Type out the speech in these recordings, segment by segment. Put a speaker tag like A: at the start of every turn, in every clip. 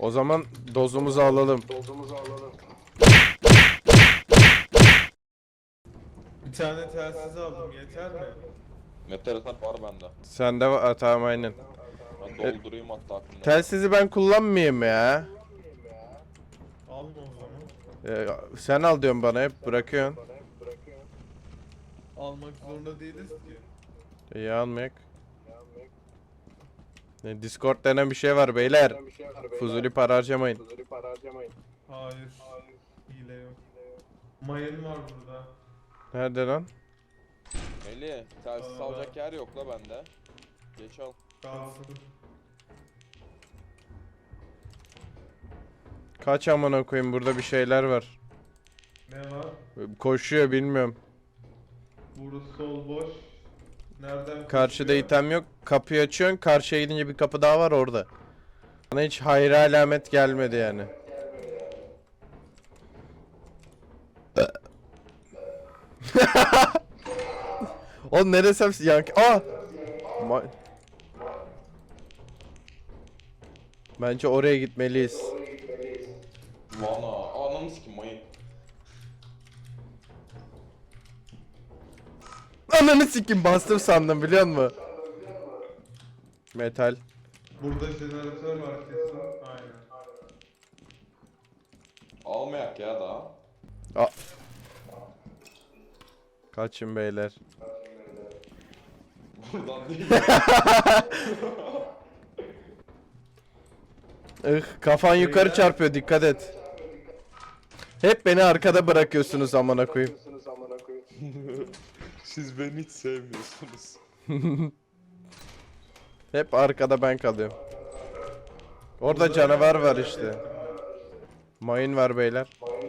A: O zaman dozumuzu alalım.
B: Bir tane telsiz aldım, yeter mi?
C: Meteorit var bende.
A: Sende var, tamam aynen.
C: Ben doldurayım hatta aklımda.
A: Telsizi ben kullanmayayım ya.
B: Alma o zaman.
A: Sen al diyorsun bana, hep bırakıyorsun.
B: Almak zorunda değiliz ki.
A: İyi almayak. Discord denen bir şey var beyler. Fuzuli para harcamayın.
B: Hayır. Hile yok. Mayın var burada.
A: Nerede lan?
C: Melih, telsiz alacak yer yok la bende. Geç al.
B: Kalsın.
A: Kaç amına koyayım, burada bir şeyler var.
B: Ne var?
A: Koşuyor, bilmiyorum.
B: Burası sol boş. Nereden
A: Karşıda
B: koşuyor?
A: item yok. Kapıyı açıyorsun. Karşıya gidince bir kapı daha var orada. Bana hiç hayır alamet gelmedi yani. Oğlum ne desem yankı... Bence oraya gitmeliyiz.
C: Vana, ananı sikim mayın.
A: Ananı sikim, bastım sandım biliyor musun? Metal.
B: Burada jeneratör var kesin. Aynen.
C: Almayak ya daha.
A: Kaçın beyler.
C: Buradan değil.
A: Kafan yukarı çarpıyor, dikkat et. Hep beni arkada bırakıyorsunuz amına koyayım.
C: Siz beni hiç sevmiyorsunuz.
A: Hep arkada ben kalıyorum. Orada canavar var işte. Mayın var beyler.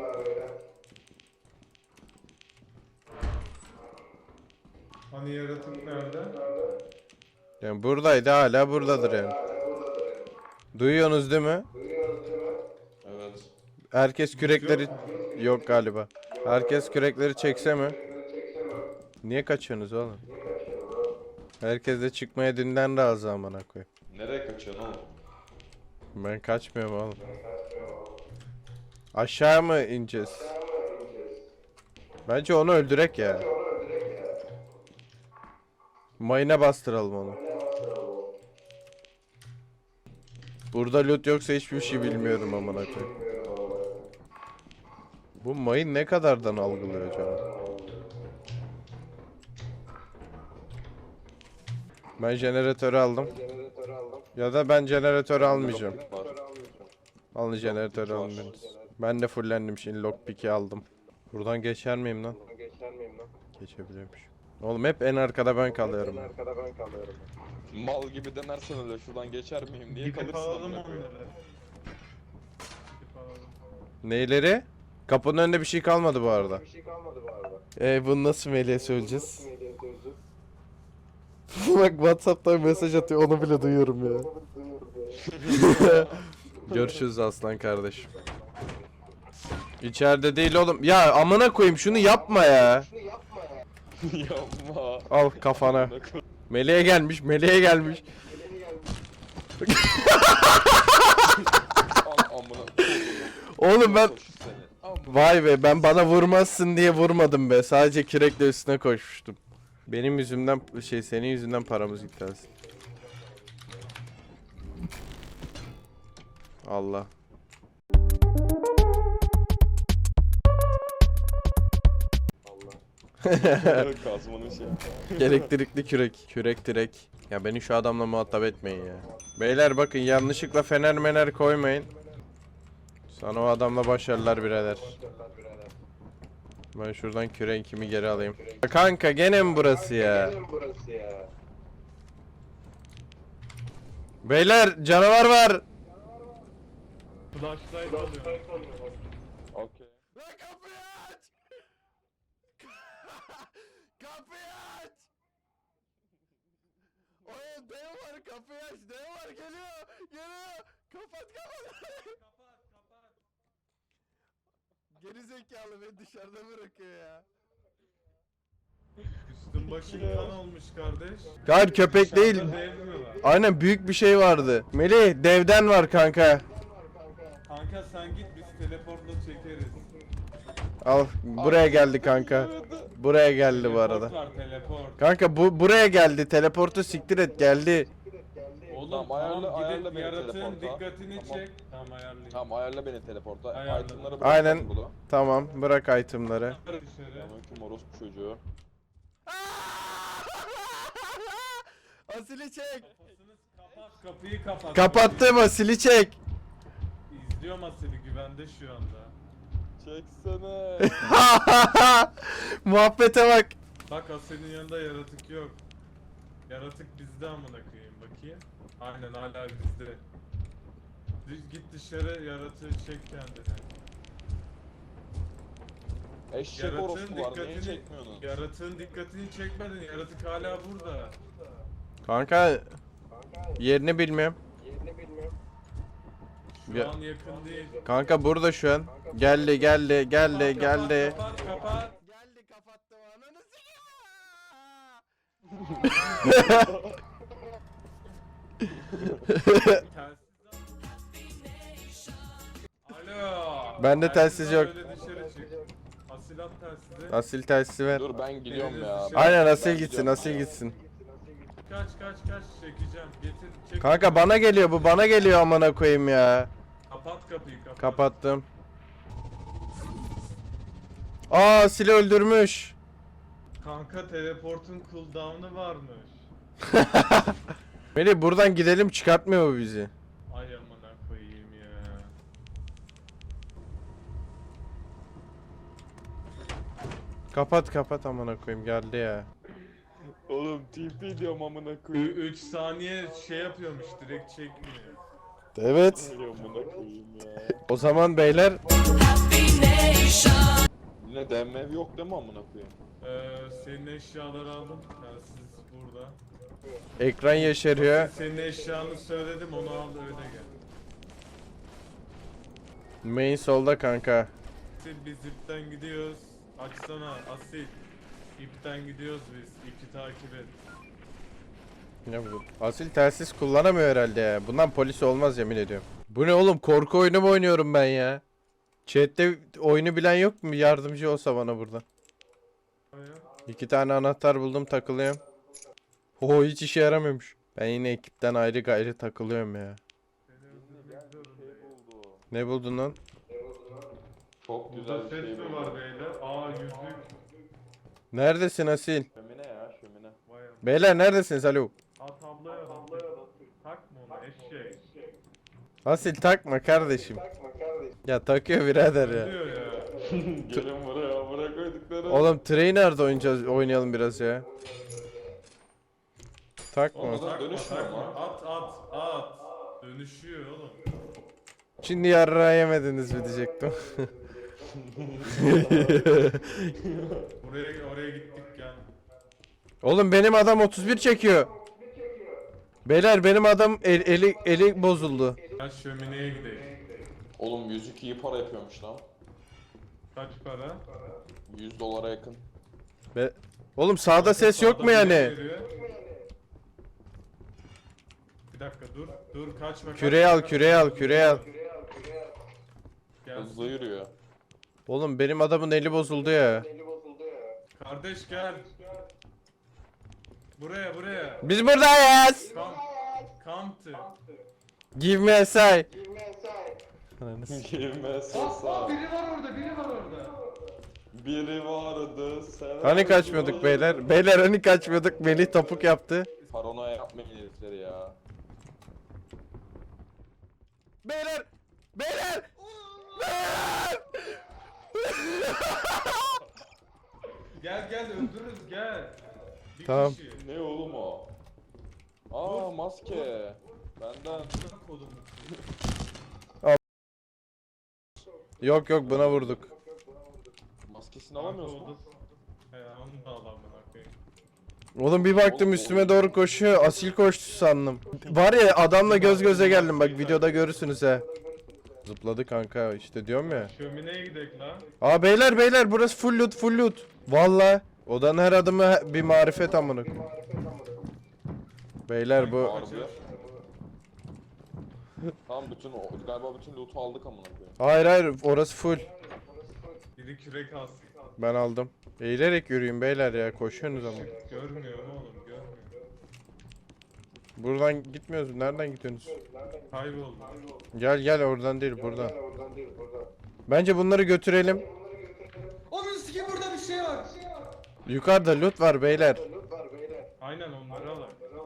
B: Hani yaratık nerede?
A: Yani buradaydı, hala buradadır yani. Duyuyorsunuz değil mi?
C: Evet.
A: Herkes kürekleri... Yok galiba. Herkes kürekleri çekse mi? Niye kaçıyorsunuz oğlum? Herkes de çıkmaya dünden razı amına koyayım.
C: Nereye kaçıyorsun oğlum?
A: Ben kaçmıyorum oğlum. Aşağı mı ineceğiz? Bence onu öldürek ya. Mayına bastıralım onu. Burada loot yoksa hiçbir şey bilmiyorum amına koyayım. Bu mayın ne kadardan algılıyor acaba? Ben jeneratörü aldım. Ya da ben jeneratörü almayacağım.
C: Var.
A: Alın jeneratörü alın. Ben de fullendim, şimdi lockpick'i aldım. Buradan geçer miyim lan? Geçebiliyormuş. Oğlum hep en arkada ben kalıyorum.
C: Mal gibi denersen öyle şuradan geçer miyim diye
B: Gidip
C: kalırsın
B: alalım
C: amına
B: onları.
C: koyayım.
B: Gidip alalım.
A: Neyleri? Kapının önünde bir şey kalmadı bu arada. Bunu nasıl Melih'e söyleyeceğiz? Bak WhatsApp'tan mesaj atıyor, onu bile duyuyorum ya. Görüşürüz aslan kardeşim. İçeride değil oğlum. Ya amına koyayım, şunu yapma ya.
C: Yapma.
A: Al kafana. Meleğe gelmiş, meleğe gelmiş.
C: Amına.
A: Oğlum ben...
C: Seni. Amına.
A: Vay be, ben bana vurmazsın diye vurmadım be. Sadece kürekle üstüne koşmuştum. Benim yüzümden senin yüzünden paramız gitti aslında. Allah.
C: Kazmanın şey.
A: Elektrikli kürek. Kürek direk. Ya beni şu adamla muhatap etmeyin ya. Beyler bakın, yanlışlıkla fener mener koymayın. Sana o adamla başarılar birader. Ben şuradan küreğimi geri alayım. Kanka gene mi burası ya? Beyler canavar var.
B: Flashlight alıyorum.
C: Okey.
A: Lan kapıyı aç! Kapıyı aç! Oğlum dev var, kapıyı aç, dev var, geliyor, geliyor. Kapat. Geri zekalı, beni dışarıda bırakıyor ya.
B: Üstün başın kan olmuş kardeş.
A: Hayır, köpek değil.
B: Dışarıda dev mi var?
A: Aynen, büyük bir şey vardı. Melih, devden var kanka.
B: Kanka sen git biz teleportla çekeriz.
A: Al buraya geldi kanka. Buraya geldi bu arada.
B: Teleport var teleport.
A: Kanka buraya geldi. Teleportu siktir et geldi.
B: Oğlum
C: Tamam, ayarla
B: gidip
C: beni
B: yaratığın
C: teleporta.
B: dikkatini
C: Tamam.
B: çek. Tamam ayarlayayım.
C: Tamam ayarla beni teleporta.
B: Ayarladım.
C: Itemları bırak
A: Aynen.
C: burada.
A: Tamam bırak itemları.
B: Dışarı.
C: Selamünaleyküm orospu çocuğu.
A: Asili çek.
B: Kafasını kapat, kapıyı kapat.
A: Kapattım Asili çek.
B: İzliyorum Asil'i, güvende şu anda.
C: Çeksene.
A: Muhabbete bak.
B: Bak Asil'in yanında yaratık yok. Yaratık bizde amına koyayım bakayım. Aynen hala bizde. Git dışarı yaratığı çek kendine.
C: Eşek orospu var. Neyi çekmiyorsunuz?
B: Yaratığın dikkatini çekmedin. Yaratık hala burada.
A: Kanka yerini bilmiyorum.
B: Şu
A: Ya-
B: an yakın değil.
A: Kanka burada şu an. Geldi geldi geldi geldi.
B: Kapat kapat.
A: Geldi kapattım ananı
B: Alo.
A: Bende telsiz yok.
B: Böyle dışarı çık. Asilat telsizi.
A: Asil telsizi ver.
C: Dur ben gidiyorum ya.
A: Aynen
C: Ben
A: Asil gitsin
C: gidiyorum
A: Asil
C: ya.
A: gitsin.
B: Kaç çekeceğim. Getir çek.
A: Kanka bana geliyor bu bana geliyor amına koyayım ya.
B: Kapat kapıyı kapat.
A: Kapattım. Aa Asil'i öldürmüş.
B: Kanka teleportun cooldown'u varmış.
A: Melih buradan gidelim çıkartmıyor bu bizi.
B: Ay amına koyayım ya.
A: Kapat amına koyayım geldi ya.
C: Oğlum TP diyorum amına koyayım.
B: 3 saniye şey yapıyormuş direkt çekmiyor.
A: Evet.
C: Öyle amına koyayım ya.
A: O zaman beyler
C: Yine DMV yok değil mi amına koyayım?
B: Senin eşyaları aldım. Telsiz burada.
A: ekran yeşeriyor.
B: Senin eşyanı söyledim onu al öyle gel.
A: Main solda kanka.
B: Asil biz ipten gidiyoruz. Açsana Asil. İpten gidiyoruz biz. İpi takip et.
A: Ne bu? Asil telsiz kullanamıyor herhalde ya. Bundan polis olmaz yemin ediyorum. Bu ne oğlum korku oyunu mu oynuyorum ben ya? Chat'te oyunu bilen yok mu? Yardımcı olsa bana burada.
B: Aya.
A: 2 tane anahtar buldum takılıyorum. Oho hiç işe yaramıyormuş. Ben yine ekipten ayrı gayrı takılıyorum ya.
B: Seni öldürmek zorundayım.
C: buldu.
A: Ne buldun lan?
C: Çok
B: Burada
C: güzel bir
B: ses
C: şey
B: mi
C: buldu.
B: var beyler? Aa yüzük.
A: Neredesin Asil?
C: Şömine ya şömine.
B: Vay am-
A: Beyler neredesiniz alo?
B: Aa tabloya bak. Takma onu eşek.
A: Asil takma kardeşim. Ya takıyor birader ya.
B: Diyor ya.
C: Gelin buraya bırak koydukları.
A: Oğlum Trainer'da oynayalım biraz ya. Takma.
C: Oğlum,
B: Takma
C: dönüşmüyor
B: takma.
C: mu?
B: At. Dönüşüyor oğlum.
A: Şimdi yarrağı yemediniz mi diyecektim.
B: Oraya gittik gel.
A: Oğlum benim adam 31 çekiyor. Beyler benim adam eli bozuldu.
B: Gel şömineye gidelim.
C: Oğlum yüzük iyi para yapıyormuş lan.
B: Kaç para?
C: $100 yakın.
A: Oğlum sağda ses yok mu
B: Sağda
A: yani?
B: biri veriyor. Bir dakika dur kaçma.
A: Küreği al küreği al küreği al.
B: Gel.
C: Hızlı yürüyor.
A: Oğlum benim adamın eli bozuldu ya.
B: Kardeş gel. Buraya.
A: Biz buradayız.
B: Come to.
A: Give me a sign.
C: Girme
B: Aa,
C: sasa.
B: biri var orada.
C: Biri vardı sen.
A: Hani kaçmıyorduk beyler? Beyler hani kaçmıyorduk? Melih topuk yaptı.
C: Paranoya yapmayın herifleri ya.
A: Beyler! Beyler!
B: Gel öldürürüz gel. Bir
A: Tamam.
B: kişi.
C: Ne oğlum o? Aa maske. Benden.
B: Kodum.
A: Yok buna vurduk.
C: Maskesini alamıyorsun.
B: He onu da al amına koyayım.
A: Oğlum bir baktım üstüme doğru koşuyor. Asil koştu sandım. Var ya adamla göz göze geldim bak videoda görürsünüz he. Zıpladı kanka işte diyorum ya.
B: Şömineye gidelim lan.
A: Aa beyler burası full loot. Valla odanın her adımı bir marifet amına koyayım. Beyler bu
C: Harbi. Tamam galiba bütün loot'u aldık amına koyayım.
A: Hayır hayır, orası full.
B: Biri kürek alsın.
A: Ben aldım. Eğilerek yürüyün beyler ya, koşuyorsunuz ama.
B: Görmüyorum oğlum, görmüyorum.
A: Buradan gitmiyoruz. Nereden gidiyorsunuz?
B: Kayboldum.
A: Gel gel, oradan değil, buradan. Bence bunları götürelim.
D: Onun sikim burada bir şey var.
A: Yukarıda loot var beyler.
B: Aynen onları alalım.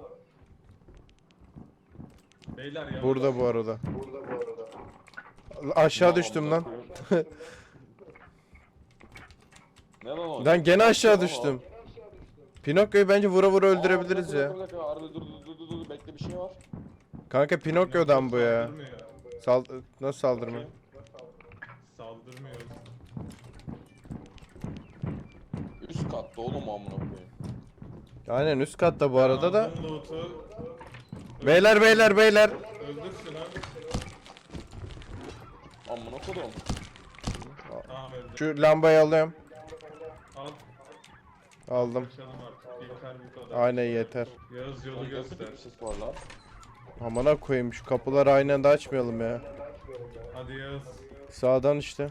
B: Beyler ya.
A: Burada bu arada. Aşağı
C: Tamam,
A: düştüm
C: amına
A: lan.
C: koyayım. Ne lan o?
A: Lan gene aşağı düştüm. Pinokyo'yu bence vura vura öldürebiliriz ya.
C: Bir dakika, Arda dur bekle, bir şey var.
A: Kanka Pinokyo'dan bu ya.
B: Saldırmıyor.
A: Nasıl saldırma?
B: Saldırmıyor.
C: Üst katta oğlum amına koyayım.
A: Aynen üst katta bu arada da.
B: Aldım loot'u.
A: Beyler beyler beyler.
B: Öldür şunu.
C: Amına koyayım.
B: Tamam öldür.
A: Şu lambayı alıyorum.
B: Al.
A: Aldım.
B: Kaçalım artık. Yeter bu kadar.
A: Aynen yeter.
B: Yağız yolu
C: Oğlum nasıl
B: göster.
C: bir ses var lan?
A: Amına koyayım, şu kapıları aynı anda açmayalım ya.
B: Hadi Yağız.
A: Sağdan işte.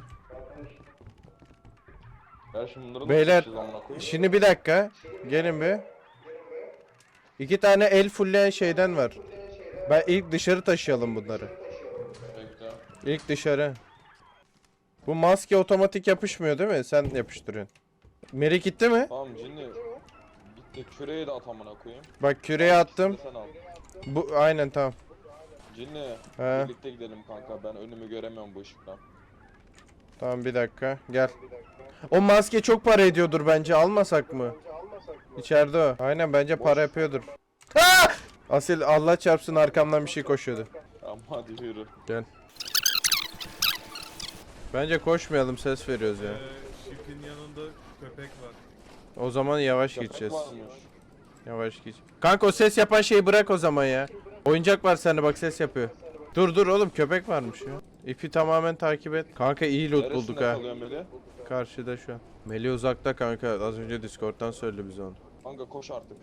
C: Ya şimdi bunları
A: Beyler,
C: nasıl amına koyayım?
A: şimdi bir dakika. Gelin bir. 2 tane el fullleyen şeyden var. Ben ilk dışarı taşıyalım bunları.
C: Bekle.
A: İlk dışarı. Bu maske otomatik yapışmıyor değil mi? Sen yapıştırıyorsun. Meri gitti mi?
C: Tamam Cinni. Gitti, küreği de at amına koyayım.
A: Bak küreği attım.
C: İkisini de sen al.
A: Bu aynen tamam.
C: Cinni,
A: He.
C: birlikte gidelim kanka, ben önümü göremiyorum bu ışıktan.
A: Tamam bir dakika. Gel. O maske çok para ediyordur bence. Almasak mı? İçeride o. Aynen bence para yapıyordur. Ha! Asil Allah çarpsın, arkamdan bir şey koşuyordu.
C: Tamam hadi yürü.
A: Gel. Bence koşmayalım, ses veriyoruz ya.
B: Şifin yanında köpek var.
A: O zaman yavaş
C: Köpek
A: gideceğiz.
C: varmış.
A: Yavaş git. Kanka o ses yapan şeyi bırak o zaman ya. Oyuncak var sende, bak ses yapıyor. Dur dur oğlum, köpek varmış ya. İpi tamamen takip et. Kanka iyi loot
C: Neresinde
A: bulduk ha.
C: kalıyor Melih?
A: Karşıda şu an. Melih uzakta kanka. Az önce Discord'dan söyledi bize onu.
C: Kanka koş artık.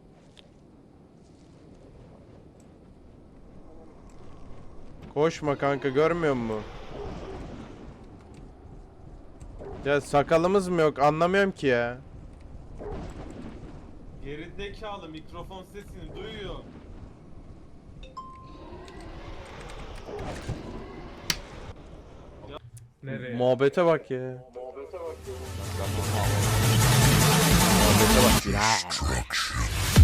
A: Koşma kanka, görmüyor musun? Ya sakalımız mı yok, anlamıyorum ki ya.
B: Gerizekalı mikrofon sesini duyuyor. Nereye?
A: Muhabbete bak ya.
E: Destruction.